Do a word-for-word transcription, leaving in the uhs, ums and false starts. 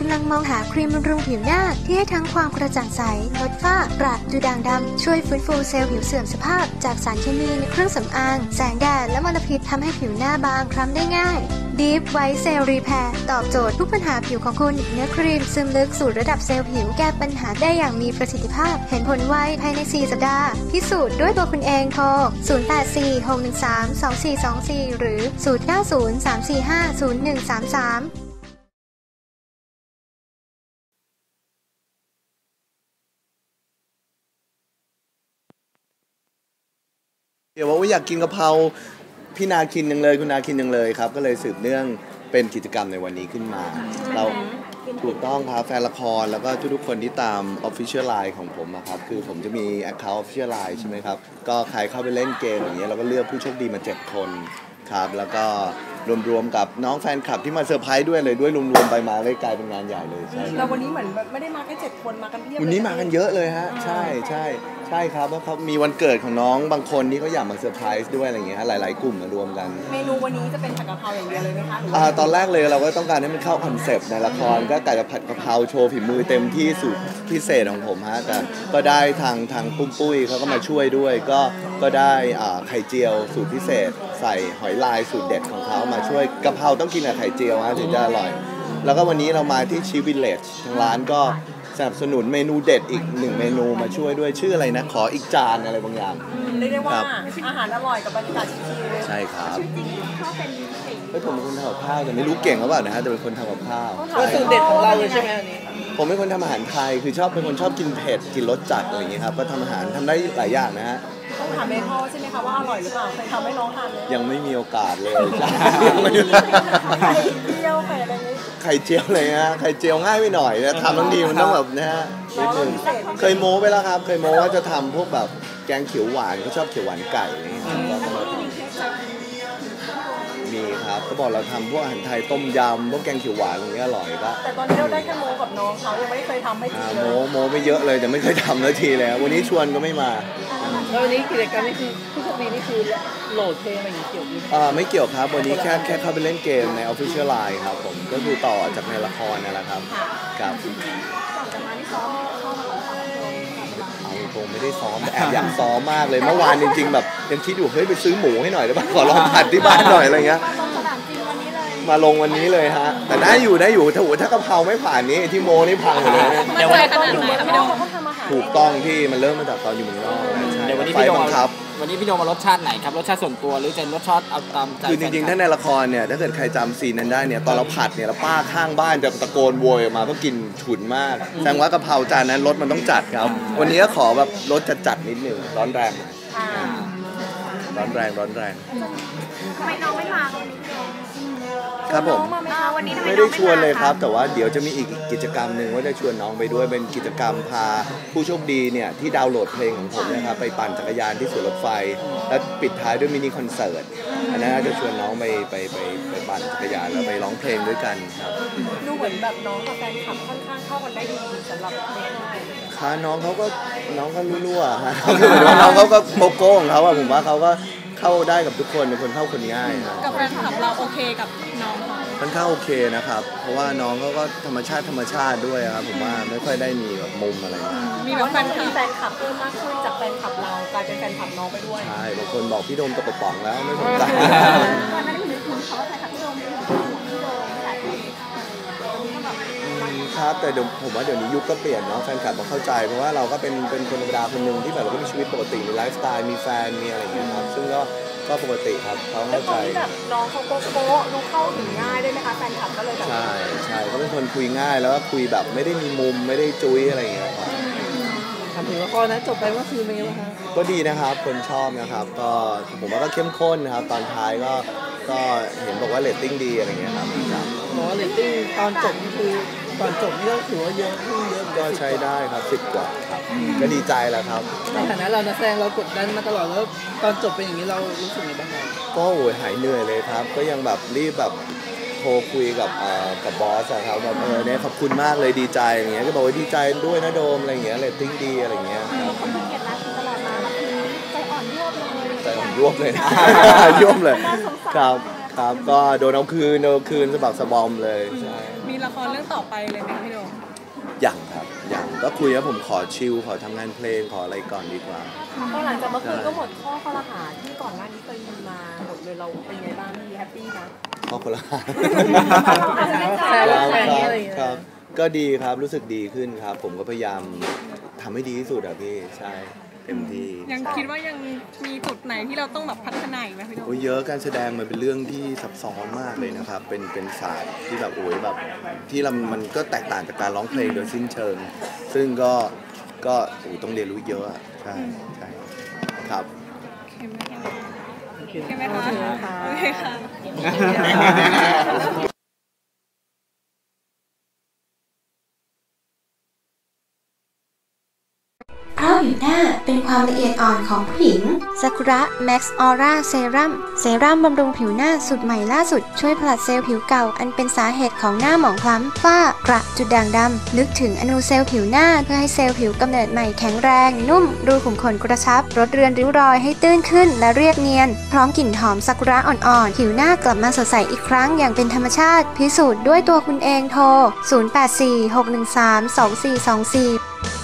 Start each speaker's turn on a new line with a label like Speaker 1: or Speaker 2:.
Speaker 1: ำลังมองหาครีมบำรุงผิวหน้าที่ให้ทั้งความกระจ่างใสลดฝ้ากระดูด่างดำช่วยฟื้นฟูเซลล์ผิวเสื่อมสภาพจากสารเคมีในเครื่องสำอางแสงแดดและมลพิษทำให้ผิวหน้าบางคล้ำได้ง่าย Deep White Cell Repair ตอบโจทย์ทุกปัญหาผิวของคุณเนื้อครีมซึมลึกสู่ระดับเซลล์ผิวแก้ปัญหาได้อย่างมีประสิทธิภาพเห็นผลไวภายในสี่สัปดาห์พิสูจน์ด้วยตัวคุณเองโทรศูนย์ แปด สี่ หก หนึ่ง สาม สอง สี่ สอง สี่หรือศูนย์ เก้า ศูนย์ สาม สี่ ห้า ศูนย์ หนึ่ง สาม สาม
Speaker 2: เดี๋ยวว่าอยากกินกะเพราพี่นาคินยังเลยคุณนาคินยังเลยครับก็เลยสืบเนื่องเป็นกิจกรรมในวันนี้ขึ้นมาเราถูกต้องครับแฟนละครแล้วก็ทุกๆคนที่ตาม Official Line ของผมนะครับคือผมจะมี Account Official Line ใช่ไหมครับก็ใครเข้าไปเล่นเกมอย่างเงี้ยเราก็เลือกผู้โชคดีมาเจ็ดคนครับแล้วก็รวมๆกับน้องแฟนคลับที่มาเซอร์ไพรส์ด้วยเลยด้วยรวมๆไปมาเลยกลายเป็นงานใหญ่เลยใช่
Speaker 3: แล้ววันนี้เหมือนไม่ได้มาแค่เจ็ดคนมากันเพียบ
Speaker 2: วันนี้มากันเยอะเลยฮะใช่ใช่ใช่ครับแล้วเขามีวันเกิดของน้องบางคนที่เขาอยากมาเซอร์ไพรส์ด้วยอะไรเงี้ยหลายๆกลุ่มมารวมกัน
Speaker 3: เมนูวันนี้จะเป็นผัดกะเพราอย่างเดียวเลยไหมคะ
Speaker 2: อ่าตอนแรกเลยเราก็ต้องการให้มันเข้าคอนเซปต์ในละครก็กะจะผัดกะเพราโชว์ฝีมือเต็มที่สูตรพิเศษของผมฮะแต่ก็ได้ทางทางปุ้มปุ้ยเขาก็มาช่วยด้วยก็ก็ได้อ่าไข่เจียวสูตรพิเศษใส่หอยลายสูตรเด็ดของเขามาช่วยกะเพราต้องกินกับไข่เจียวฮะถึงจะอร่อยแล้วก็วันนี้เรามาที่ชีวิลเลจทางร้านก็สนับสนุนเมนูเด็ดอีกหนึ่งเมนูมาช่วยด้วยชื่ออะไรนะขออีกจานอะไรบางอย่าง
Speaker 3: เรียกได้ว่าอาหารอร่อยกับบรรยากาศชิล
Speaker 2: ๆใช่ครับเฮ้ยผมเป็นคนทำกับข้าวแต่ไม่รู้เก่งหรือเปล่านะฮะแต่เป็นคนทำกับข้าว
Speaker 3: ก็สูตรเด็ดของเราเลยใช่ไหมอันนี้
Speaker 2: ผมเป็นคนทำอาหารไทยคือชอบเป็นคนชอบกินเผ็ดกินรสจัดอะไรอย่างเงี้ยครับก็ทำอาหารทำได้หลายอย่างนะฮะ
Speaker 3: ต้องถามแม่พ่อใช่ไหมคะว่าอร่อยหรือเปล่าเคยทำให้น้องทานเลย
Speaker 2: ยังไม่มีโอกาสเลย
Speaker 3: ไข่เจียวไข่อะไรนี้
Speaker 2: ไข่เจียวเลยฮะไข่เจียวง่ายไปหน่อยนะทำทั้งดีมันต้องแบบนะฮะนิดนึงเคยโม้ไปแล้วครับเคยโม้ว่าจะทำพวกแบบแกงเขียวหวานก็ชอบเขียวหวานไก่อะไรอย่างเงี้ยมีครับก็บอกเราทำพวกอาหารไทยต้มยำพวกแกงเขียวหวานอย่างเงี้ยอร่อยก็
Speaker 3: แต่ตอนนี้เราได้แค่โม้กับน้องเขายังไม่ได้เคยทำให้จริงเลย
Speaker 2: โม้โม้ไม่เยอะเลยแต่ไม่เคยทำนาทีแล้ววันนี้ชวนก็ไม่มา
Speaker 3: แล้ววันนี้กิจกรรมนี่คือผู้โชคดีนี่คือโหลดเพลงอะไรอย่างเกี่ยวกับ
Speaker 2: อ่าไม่เกี่ยวครับวันนี้แค่แค่เข้าไปเล่นเกมใน Official Line ครับผมก็คือต่อจากในละครนั่นแหละครับครับ
Speaker 3: ก่อนจะมาที่ซ้อมเข้ามาของ
Speaker 2: เอาตรงไม่ได้ซ้อมแต่แอบอยากซ้อมมากเลยเมื่อวานจริงๆแบบยังคิดอยู่เฮ้ยไปซื้อหมูให้หน่อยได้ป่ะขอลองผัดที่บ้านหน่อยอะไรเงี้ยมาลงวันนี้เลยฮะแต่ได้อยู่ได้อยู่ถ้าถ้ากะเพราไม่ผ่านนี้ที่โมนี่พังหมดเลย
Speaker 3: เดี๋ยววันนี้ตอนอยู่เมืองนอกเขาทำอาหาร
Speaker 2: ถูกต้องที่มันเริ่มมาจากตอนอยู่เมืองนอก
Speaker 4: เดี๋ยววันนี้พี่โดมครับวันนี้พี่โดมมารสชาติไหนครับรสชาติส่วนตัวหรือจะรสชาติเอาตามใจ
Speaker 2: คือจริงๆถ้าในละครเนี่ยถ้าเกิดใครจำซีนนั้นได้เนี่ยตอนเราผัดเนี่ยแล้วป้าข้างบ้านจะตะโกนโวยออกมาก็กินฉุนมากแสดงว่ากะเพราจานนั้นรสมันต้องจัดครับวันนี้ก็ขอแบบรสจัดๆนิดนึงร้อนแรงร้อนแรงร้อนแรง
Speaker 3: ทำไมน้องไม่มา
Speaker 2: ครับผมไม่ได้ชวนเลยครับแต่ว่าเดี๋ยวจะมีอีกกิจกรรมหนึ่งว่าจะชวนน้องไปด้วยเป็นกิจกรรมพาผู้โชคดีเนี่ยที่ดาวน์โหลดเพลงของผมนะครับไปปั่นจักรยานที่สวนรถไฟแล้วปิดท้ายด้วยมินิคอนเสิร์ตอันนั้นจะชวนน้องไปไปไปไปปั่นจักรยานแล้วไปร้องเพลงด้วยกันครับ
Speaker 3: ดูเหมือนแบบน้องกับแฟนคลับค่อนข้างเข้ากันได้ดีสำหรับเพลง
Speaker 2: ค่ะน้องเขาก็น้องก็รั่วๆฮะคือเหมือนว่าน้องเขาก็โกโก้ของเขาอะผมว่าเขาก็เข้าได้กับทุกคนเป็นคนเข้าคนง่ายนะ
Speaker 3: กับแฟนคลับเราโอเคกับน้องเขา
Speaker 2: ค่อนข้างโอเคนะครับเพราะว่าน้องเขาก็ธรรมชาติธรรมชาติด้วยครับผมว่าไม่ค่อยได้มีแบบมุมอะไรมา
Speaker 3: มีแบบแฟนคลับแฟนคลับเพิ่มมากขึ้นจากแฟนคลับเรากลายเป็นแฟนคลับน้องไปด้วย
Speaker 2: ใช่บางคนบอกพี่โดมตกกระป๋องแล้วไม่สนใจ
Speaker 3: ตอนนั้นไม่ถึงเขาว่าแฟนคลับพี่โดมเป็นพี่โดมหลายคน
Speaker 2: ครับแต่เดี๋ยวผมว่าเดี๋ยวนี้ยุคก็เปลี่ยนเนาะแฟนคลับมาเข้าใจเพราะว่าเราก็เป็นเป็นคนธรรมดาคนหนึ่งที่แบบเราก็มีชีวิตปกติมีไลฟ์สไตล์มีแฟนมีอะไรอย่างเงี้ยครับซึ่งก็ก็ปกติครับเขาเข้าใจ
Speaker 3: แบบน้องเขาโป๊ะรู้เข้าถึงง่ายได้ไหมคะแฟนคลับก็เลยแบบ
Speaker 2: ใช่ใช่เขาเป็นคนคุยง่ายแล้วก็คุยแบบไม่ได้มีมุมไม่ได้จุ้ยอะไรอย่างเงี้ยครับ
Speaker 3: ทำถึงละครนะจบไปว่าคือเป็นไงบ้างคะ
Speaker 2: ก็ดีนะครับคนชอบนะครับก็ผมว่าก็เข้มข้นนะครับตอนท้ายก็ก็เห็นบอกว่าเรตติ้งดีอะไรเงี้ยครับ
Speaker 3: บอกว่าเรตติ้งตอนจบคือตอนจบนี่ก็ถือว่าเยอะขึ้นเยอะ
Speaker 2: ก็ใช้ได้ครับสิบกว่าครับก็ดีใจแล้วครับ
Speaker 3: ในฐานะเรานักแสดงเรากดดันมาตลอดแล้วตอนจบเป็นอย่างนี้เรารู้สึกยังไงบ้างครับ
Speaker 2: ก็โอ้ยหายเหนื่อยเลยครับก็ยังแบบรีบแบบโทรคุยกับเอ่อกับบอสครับแบบเออเนี่ยขอบคุณมากเลยดีใจอย่างเงี้ยก็บอกว่าดีใจด้วยนะโดมอะไรอย่างเงี้ยเรตติ้งดีอะไรอย่างเงี้ยครับ
Speaker 3: ขอบคุณเกียรติรัตน์ตลอดมาใจอ่อนยวบเลย
Speaker 2: ใจอ่อนยวบเลยยวบเลยครับครับก็โดนเอาคืนโดนเอาคืนสะบักสะบอมเลยใช่
Speaker 5: มีละครเรื่องต่อไปเลยไหมพี่โดม
Speaker 2: อย่างครับอย่างก็คุยว่าผมขอชิลขอทำงานเพลงขออะไรก่อนดีกว่า
Speaker 6: พอหลังจากเมื่อคืนก็หมดข้อคอรหาที่ก่อนหน้านี้เคยมีมาหมดเลยเราเป็นไงบ้างพี่แฮปปี้นะ
Speaker 2: ข้อคนละหา
Speaker 3: แชร์
Speaker 2: ครับ
Speaker 3: แชร์
Speaker 2: ค
Speaker 3: อะไรอย่างเงี้ย
Speaker 2: รับก็ดีครับรู้สึกดีขึ้นครับ ผมก็พยายามทำให้ดีที่สุดอะพี่ใช่เต็มที่
Speaker 5: ยังคิดว่ายังมีจุดไหนที่เราต้องแบบพัฒนาอีกไหมพี่โดม
Speaker 2: โอ้ยเยอะการแสดงมันเป็นเรื่องที่ซับซ้อนมากเลยนะครับ เป็นเป็นศาสตร์ที่แบบโอ้ยแบบที่เรามันก็แตกต่างจากการร้องเพลงโดยสิ้นเชิง ซึ่งก็ก็โอ้ยต้องเรียนรู้เยอะอะใช่ใช่ครับ
Speaker 5: เข้มไหมคะเข้มไหมคะ
Speaker 3: โอ
Speaker 5: โอ
Speaker 3: เค
Speaker 5: เค
Speaker 3: ค่ะ
Speaker 5: ค่ะ
Speaker 1: เพราะผิวหน้าเป็นความละเอียดอ่อนของผู้หญิงซากุระแม็กซ์ออร่าเซรั่มเซรั่มบำรุงผิวหน้าสูตรใหม่ล่าสุดช่วยผลัดเซลล์ผิวเก่าอันเป็นสาเหตุของหน้าหมองคล้ำฝ้ากระจุดด่างดำลึกถึงอนูเซลล์ผิวหน้าเพื่อให้เซลล์ผิวกำเนิดใหม่แข็งแรงนุ่มรูขุมขนกระชับลดเรือนริ้วรอยให้ตื้นขึ้นและเรียบเนียนพร้อมกลิ่นหอมซากุระอ่อนๆผิวหน้ากลับมาสดใสอีกครั้งอย่างเป็นธรรมชาติพิสูจน์ด้วยตัวคุณเองโทรศูนย์ แปด สี่ หก หนึ่ง สาม สอง สี่ สอง สี่